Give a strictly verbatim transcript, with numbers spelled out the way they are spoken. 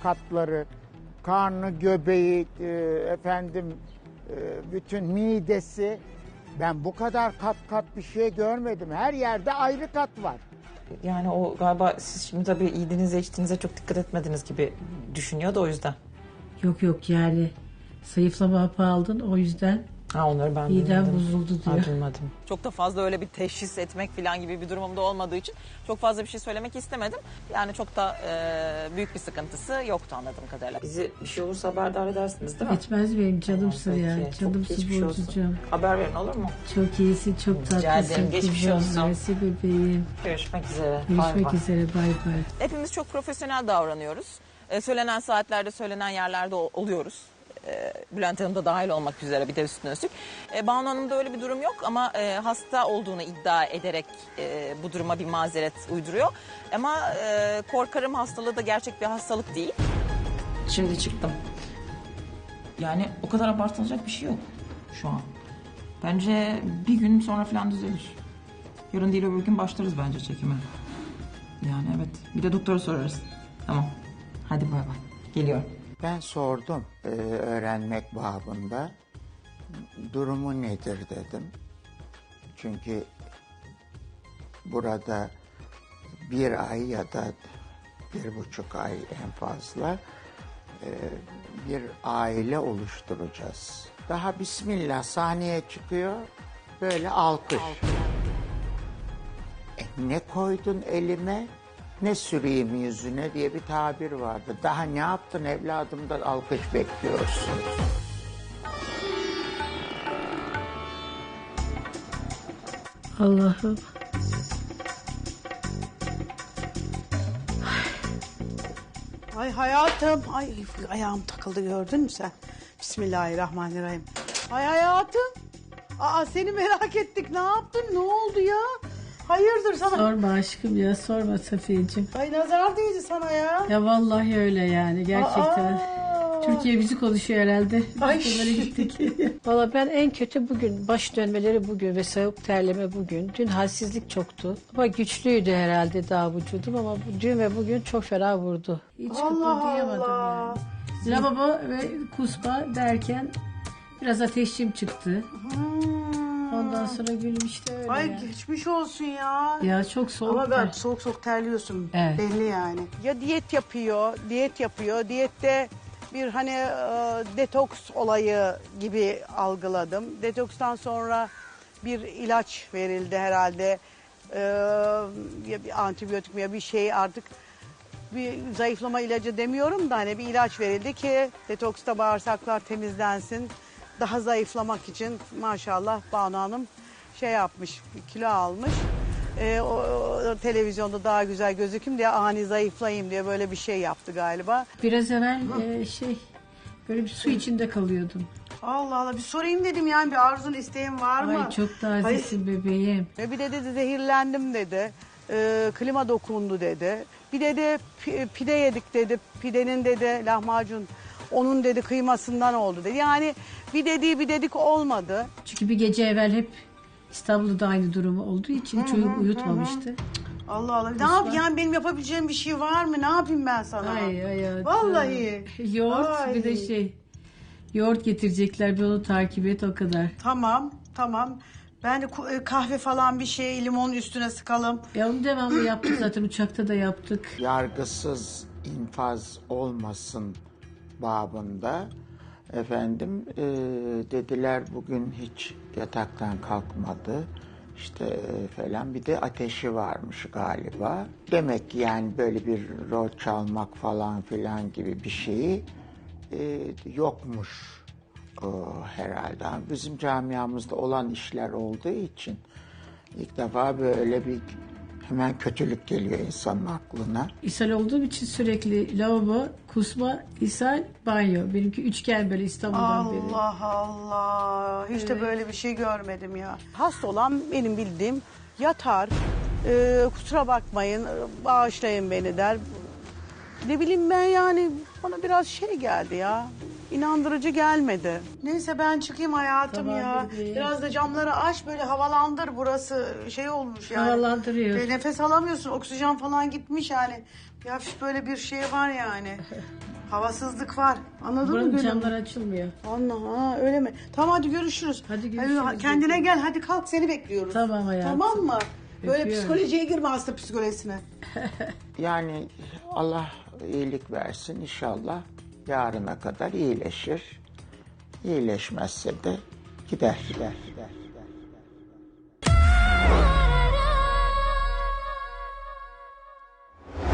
katları, karnı, göbeği, e, efendim e, bütün midesi. Ben bu kadar kat kat bir şey görmedim. Her yerde ayrı kat var. Yani o galiba siz şimdi tabii yediğinize içtiğinize çok dikkat etmediniz gibi düşünüyor da o yüzden. Yok yok yani zayıflama hapı aldın o yüzden Ha onları ben midem duymadım. bozuldu diyor. Ha, duymadım. Çok da fazla öyle bir teşhis etmek falan gibi bir durumum da olmadığı için çok fazla bir şey söylemek istemedim. Yani çok da e, büyük bir sıkıntısı yoktu anladığım kadarıyla. Bizi bir şey olursa haberdar edersiniz değil mi? Etmez benim canımsın Peki, ya. çok Canımsın geçmiş olsun. Burcucuğum. Haber verin olur mu? Çok iyisin, çok Rica tatlısın. ederim, geçmiş kuzum. olsun. Mersi bebeğim. Görüşmek üzere. Bay Görüşmek bay. üzere, bay bay. Hepimiz çok profesyonel davranıyoruz. E, söylenen saatlerde, söylenen yerlerde ol- oluyoruz. E, Bülent Hanım da dahil olmak üzere bir de üstüne üstlük. E, Banu Hanım'da öyle bir durum yok ama e, hasta olduğunu iddia ederek e, bu duruma bir mazeret uyduruyor. Ama e, korkarım hastalığı da gerçek bir hastalık değil. Şimdi çıktım. Yani o kadar abartılacak bir şey yok şu an. Bence bir gün sonra falan düzelir. Yarın değil öbür gün başlarız bence çekime. Yani evet. Bir de doktora sorarız. Tamam. Hadi bay bay. Geliyorum. Ben sordum e, öğrenmek babında. Durumu nedir dedim. Çünkü burada bir ay ya da bir buçuk ay en fazla e, bir aile oluşturacağız. Daha bismillah sahneye çıkıyor, böyle alkış. E, ne koydun elime, ne süreyim yüzüne diye bir tabir vardı. Daha ne yaptın evladımdan alkış bekliyorsun. Allah'ım. Ay hayatım. Ay ayağım takıldı gördün mü sen? Bismillahirrahmanirrahim. Ay hayatım. Aa seni merak ettik. Ne yaptın? Ne oldu ya? Hayırdır sana? Sorma aşkım ya, sorma Safiyeciğim. Ay nazar değdi sana ya. Ya vallahi öyle yani gerçekten. Aa. Türkiye bizi konuşuyor herhalde. Ay. Biz de böyle gittik. Valla ben en kötü bugün baş dönmeleri bugün ve soğuk terleme bugün. Dün halsizlik çoktu ama güçlüydü herhalde daha vücudum ama bu- dün ve bugün çok fena vurdu. Hiç Allah kıpırdayamadım Allah. yani. Lavabo ve kusma derken biraz ateşim çıktı. Hmm. Ondan sonra gülüm işte öyle Ay yani. geçmiş olsun ya. Ya çok soğuk. Ama ben var. soğuk soğuk terliyorsun. Evet. Belli yani. Ya diyet yapıyor, diyet yapıyor. Diyette bir hani e, detoks olayı gibi algıladım. Detokstan sonra bir ilaç verildi herhalde. E, ya bir antibiyotik mi ya bir şey artık bir zayıflama ilacı demiyorum da hani bir ilaç verildi ki detoksta bağırsaklar temizlensin. Daha zayıflamak için maşallah Banu Hanım şey yapmış, kilo almış. Ee, o, o televizyonda daha güzel gözükeyim diye ani zayıflayayım diye böyle bir şey yaptı galiba. Biraz evvel e, şey böyle bir su içinde kalıyordum. Allah Allah bir sorayım dedim yani bir arzun isteğin var mı? Ay çok tazesin bebeğim. Ve bir de dedi zehirlendim dedi. Ee, klima dokundu dedi. Bir dedi pi- pide yedik dedi. Pidenin dedi lahmacun onun dedi kıymasından oldu dedi. Yani bir dediği bir dedik olmadı. Çünkü bir gece evvel hep İstanbul'da aynı durumu olduğu için çocuk uyutmamıştı. Allah Allah. Ne yap yani benim yapabileceğim bir şey var mı? Ne yapayım ben sana? Ay hayatım. Vallahi. Yoğurt Ay. bir de şey. Yoğurt getirecekler bir onu takip et o kadar. Tamam, tamam. Ben de ku- kahve falan bir şey limon üstüne sıkalım. Ya onu devamlı yaptık zaten uçakta da yaptık. Yargısız infaz olmasın babında efendim e, dediler bugün hiç yataktan kalkmadı işte e, falan bir de ateşi varmış galiba. Demek ki yani böyle bir rol çalmak falan filan gibi bir şeyi e, yokmuş o, herhalde. Bizim camiamızda olan işler olduğu için ilk defa böyle bir hemen kötülük geliyor insanın aklına. İshal olduğum için sürekli lavabo, kusma, ishal, banyo. Benimki üçgen böyle İstanbul'dan beri. Allah Allah. Hiç de böyle bir şey görmedim ya. Hasta olan benim bildiğim yatar. e, kusura bakmayın, bağışlayın beni der. Ne bileyim ben yani bana biraz şey geldi ya. inandırıcı gelmedi. Neyse ben çıkayım hayatım Tamam ya. bebeğim. Biraz da camları aç böyle havalandır, burası şey olmuş yani. Havalandırıyor. Ve nefes alamıyorsun, oksijen falan gitmiş yani. Bir hafif böyle bir şey var yani. Havasızlık var. Anladın mı Buranın Gülüm? camlar açılmıyor. Allah, ha, öyle mi? Tamam hadi görüşürüz. Hadi görüşürüz. kendine gel, hadi kalk, seni bekliyoruz. Tamam hayatım. Tamam mı? Böyle Öpüyorum. psikolojiye girme, hasta psikolojisine. Yani Allah iyilik versin inşallah yarına kadar iyileşir. İyileşmezse de gider gider gider.